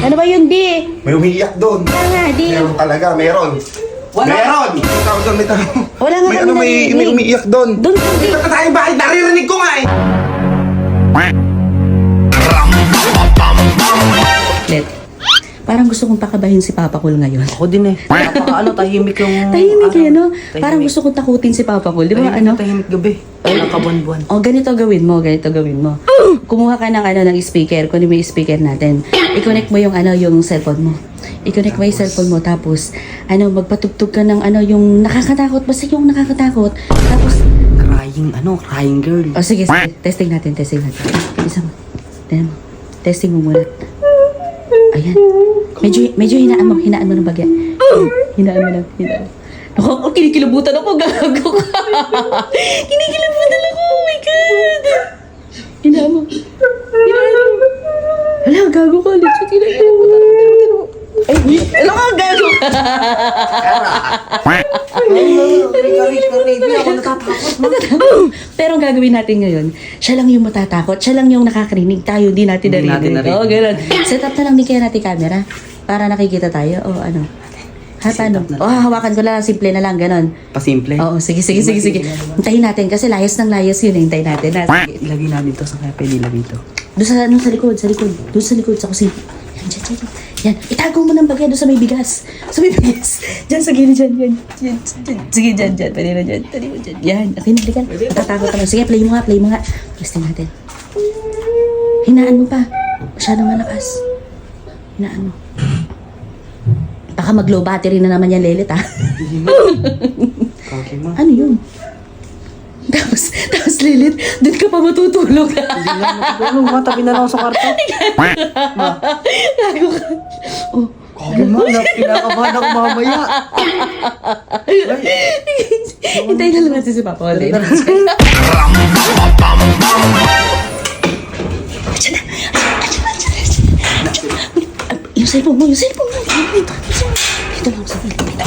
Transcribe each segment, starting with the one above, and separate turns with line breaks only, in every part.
Ano ba yun, di?
May umiiyak doon.
Wala nga, di.
Meron talaga, meron.
Wala.
Meron! May tao doon, may tao.
Wala nga
May
kami
ano, may
naririnig.
umiiyak doon.
Doon, di.
Ito tayo, bakit naririnig ko nga eh?
Let. Parang gusto kong pakabahin si Papa Cool ngayon.
Ako din eh. Napaka tahimik yung...
Tahimik eh, no?
tahimik.
Parang gusto kong takutin si Papa Cool. Di ba,
Tahimik
ano?
na tahimik gabi. Walang kabuan-buan.
O, ganito gawin mo. Kumuha ka ng, ng speaker. Kunin mo yung speaker natin. I-connect mo yung, yung cellphone mo. I-connect mo yung cellphone mo. Tapos, magpatugtog ka ng, yung nakakatakot. Basta yung nakakatakot. Tapos,
Crying girl.
o sige. Testing natin. Isa mo. Tignan mo. Testing mo muna. Ayan. Medyo hinaan mo ng bagya. Hinaan mo. Naku, kinikilabutan ako. Gago ka. Kinikilabutan ako. Oh my God. Hinaan mo. Hala, gago ka. Legit, kinikilabutan ako. Ay, hala ka, gago ka.
Ako natatakot.
Pero ang gagawin natin ngayon, siya lang yung matatakot, siya lang yung nakakarinig, tayo di natin
Hindi natin
narinig.
narinig.
Oo, ganun. Set up na lang din kaya natin camera para nakikita tayo. O ano? Ha, paano?
up na
O, hahawakan ko lang, simple na lang, ganun.
Pasimple.
Oo, sige. Hintayin natin kasi layas ng layas yun. Hintayin natin. Sige.
Ilagay natin to sa kaya pwede ilagay to.
Doon sa likod. Doon sa likod, sa kusina. Yan. Yan. Itago mo ng bagay doon sa may bigas. Diyan sa gilid, dyan. Sige, dyan. Pwede na dyan. Yan. Okay, nalikan. Natatakot naman. Sige, play mo nga. Testing natin. Hinaan mo pa. Masyadong malakas. Hinaan mo. Baka mag-low battery na naman yan, Lelit, ha?
Okay mo.
Ano yun? Tapos, Lelit, doon ka pa matutulog.
Hindi na matutulog. Matabi na lang ako sa kwarto.
Gago ka. Oh,
Okay mo. Kinakabahan ako mamaya.
hintayin na lang natin si Papa ulit. Yung cellphone mo. Ito lang sa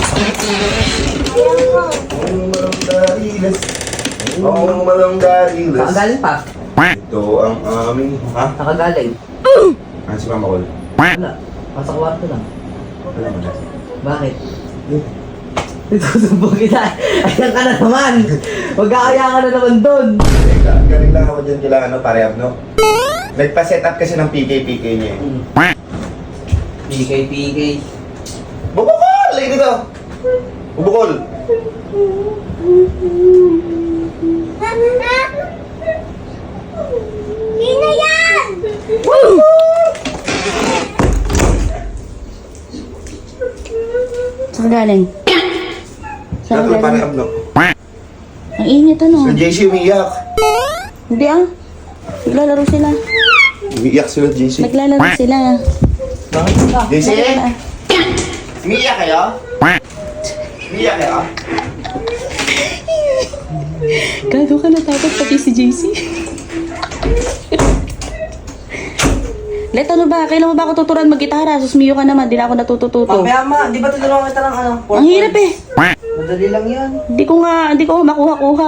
Ang malang dariles.
Nakagaling pa.
Ito ang aming... Ha?
Nakagaling.
Si Mama Col.
Wala. Nasa kwarto lang.
Wala mo na.
Bakit? Itutubo kita. Ayan ka na naman. Magkakaya ka na naman doon.
Galing lang ako dyan kila parehab, no? Nagpa-set up kasi ng PK niya eh.
PK.
Bubukol! Lagi dito! Bubukol!
Sino yan?
Saan galing? Saan
Dapat
galing?
parehab, no?
Ang init
So JC umiiyak.
Hindi Naglalaro sila.
Umiiyak sila JC.
Naglalaro sila.
Bakit sila?
JC? Umiiyak kayo? Umiiyak kayo?
Gago ka natakot pati si JC. Let, ano ba? Kailan mo ba ako tuturuan mag-gitara? Susmiyo ka naman, di na ako natututo.
Mamaya ma, di ba tinulungan kita ng ano?
Ang hirap eh.
Madali lang yan.
Hindi ko makuha-kuha.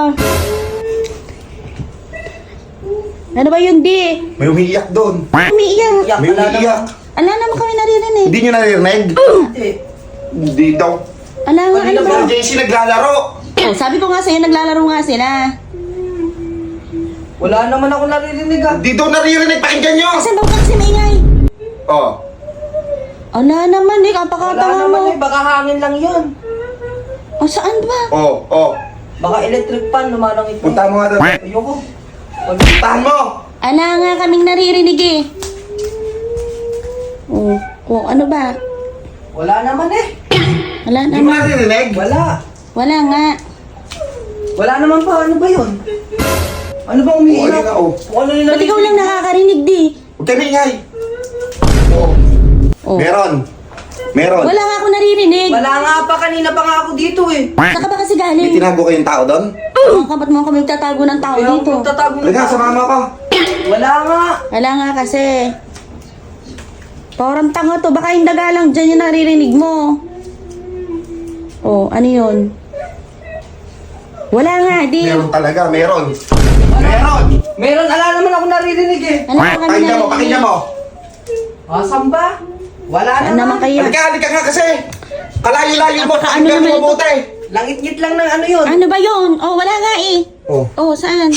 Ano ba yun, di?
May umiiyak doon.
Umiiyak.
Yak,
May
wala
umiiyak.
naman.
Ala naman kami naririnig.
Hindi nyo naririnig?
Hindi.
Hindi daw.
Ala nga, ano ba?
Pero JC naglalaro.
Oh, sabi ko nga sa'yo, naglalaro nga sila.
Wala naman ako naririnig ah.
Hindi daw naririnig. Pakinggan nyo!
Kasi baka kasi maingay.
Oh.
Ala naman eh,
Wala
kapakatawa
naman
mo.
eh, baka hangin lang yun.
O, saan ba?
Oh.
Baka electric fan, lumalangit mo.
Punta mo nga doon.
Ayoko.
Puntahan mo!
Ala nga kaming naririnig eh. Oh, kung ano ba?
Wala naman eh.
Wala
Hindi mo
naman.
naririnig?
Wala.
Wala nga.
Wala naman pa, ano ba yun? Ano ba
Oo,
umiiyak?
ayun nga, oh.
Kung ano yung
Ba't ikaw lang nakakarinig di?
Huwag kayo maingay. Oh.
Oh.
Meron.
Wala nga ako naririnig.
Wala nga pa, kanina pa nga ako dito eh.
Saan ka ba kasi
May
galing?
tinago kayong tao doon?
Oh, kapat mo kami tatago ng tao
Kaya
dito.
ako tatago ng
Halika,
tao.
sumama ko.
Wala nga.
Wala nga kasi. Parang tanga to. Baka yung daga lang dyan yung naririnig mo. Oh, ano yun? Wala nga, di.
Meron talaga, meron.
Meron, ala naman ako naririnig eh.
Ano ka kami
Pakinggan mo.
Asan ba? Wala
Saan naman
naman.
kaya?
Halika nga kasi. Kalayo-layo mo.
Napaka- ano
Pakinggan
naman
mo
ito?
mabuti.
Langit-ngit lang ng ano yun.
Ano ba yun? Oh, wala nga eh.
Oh.
Oh, saan?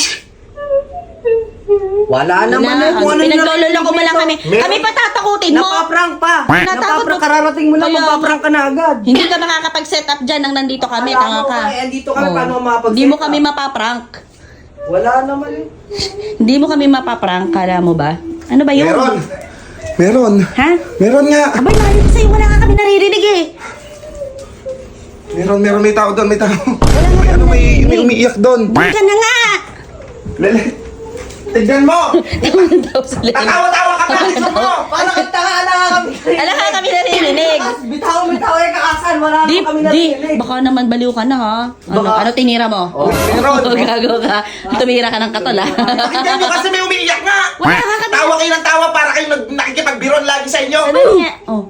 Wala naman
Wala.
eh. Kung ano
Pinaglololo ko mo lang kami.
Meron-
Kami pa tatakutin mo.
Napaprank pa.
Natakot
Napaprank.
mo.
Kararating mo lang,
Kaya-
magpaprank ka na agad.
Hindi ka makakapag-set up dyan nang nandito kami.
Wala
Tanga
mo
ka.
ka eh. Andito kami,
Oh.
paano ka makapag-set
Hindi mo
up?
kami mapaprank.
Wala naman eh.
Hindi mo kami mapaprank. Kala mo ba? Ano ba yun?
Meron. Meron.
Ha?
Meron nga.
Abay, layo ko sa'yo. Wala ka kami naririnig eh.
Meron. May tao doon. May tao.
Wala nga
May ano,
kami
may
naririnig.
umiiyak doon.
Di ka na nga.
Lele. Tignan mo.
Daw sila.
Tatawa-tawa ka pa. Gusto mo.
Paano kita nga ala kami?
Wala ka kami naririnig.
Bitaw eh kakasan. Wala
Di,
naman kami
di,
narinig.
baka naman baliw ka na ha. Ano,
Baka-
ano tinira mo?
Oh,
meron.
Gago ka. Tumira ka ng katol ha.
Tignan nyo kasi may umiiyak nga.
Wala ka kami.
Tawa kayo ng tawa para kayo nakikipagbiron lagi sa inyo.
Sabi niya, oh.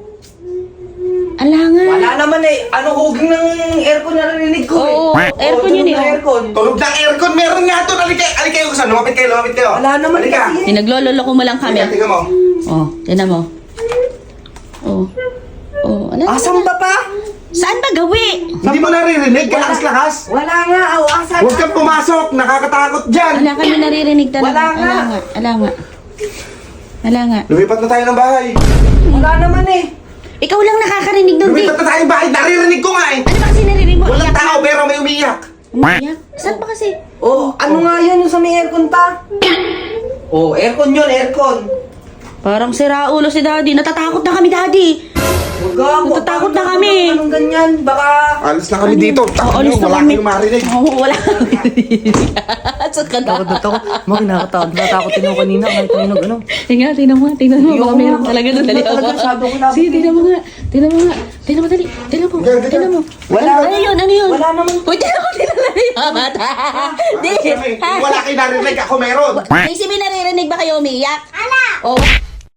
Ala nga.
Wala naman eh. Ano huging ng aircon na narinig ko eh.
Oo, aircon yun
tunog
eh,
ng
oh.
aircon.
Tulog ng aircon. Meron nga doon. Halika kayo. Saan? Lumapit kayo.
Wala naman
Halika.
kasi.
Pinaglololo ko mo lang kami.
Halika, tingnan mo.
Oh, tinan mo. Oh. Oh, ala.
Asan ba pa?
Saan ba gawi?
Hindi mo naririnig. Kalakas-lakas.
Wala nga. Aw, asan?
Huwag kang pumasok. Nakakatakot dyan.
Wala kami naririnig talaga.
Wala nga.
Ala nga. Ala nga.
Lumipat na tayo ng bahay.
Wala naman eh.
Ikaw lang nakakarinig nun, di.
Lumipat na tayo ng bahay. Naririnig ko nga eh.
Ano ba kasi naririnig mo?
Walang
Iyak
tao
na.
pero may umiiyak.
Umiyak? Saan ba kasi?
Oh, ano nga yun yung sa may aircon ta? Oh, aircon yun, aircon.
Parang sira ulo si Daddy. Natatakot na kami, Daddy.
Huwag ako.
Natatakot na kami.
Anong ganyan? Baka...
Alis na kami dito.
Oo, alis na
Wala
kami.
kayong marinig.
Oo, wala kami naririnig. Saan ka na?
Mga nakakatakot. Natakotin ako kanina kahit tayo nag ano.
Tingnan, tingnan mo. Baka meron talaga doon. Dali
Talaga,
ako.
masyado ko labot
Sige,
eh.
tingnan mo nga. Tingnan mo nga. Tingnan mo, dali. Tingnan mo.
Ganyan,
Tingnan mo.
Wala.
Ano yun? Ano yun?
Wala naman.
Uy, tingnan mo. Tingnan mo yung mata. Di.
Wala kayong narinig. Ako meron.
May si may naririnig ba kayo umiiyak? Ala! Oh,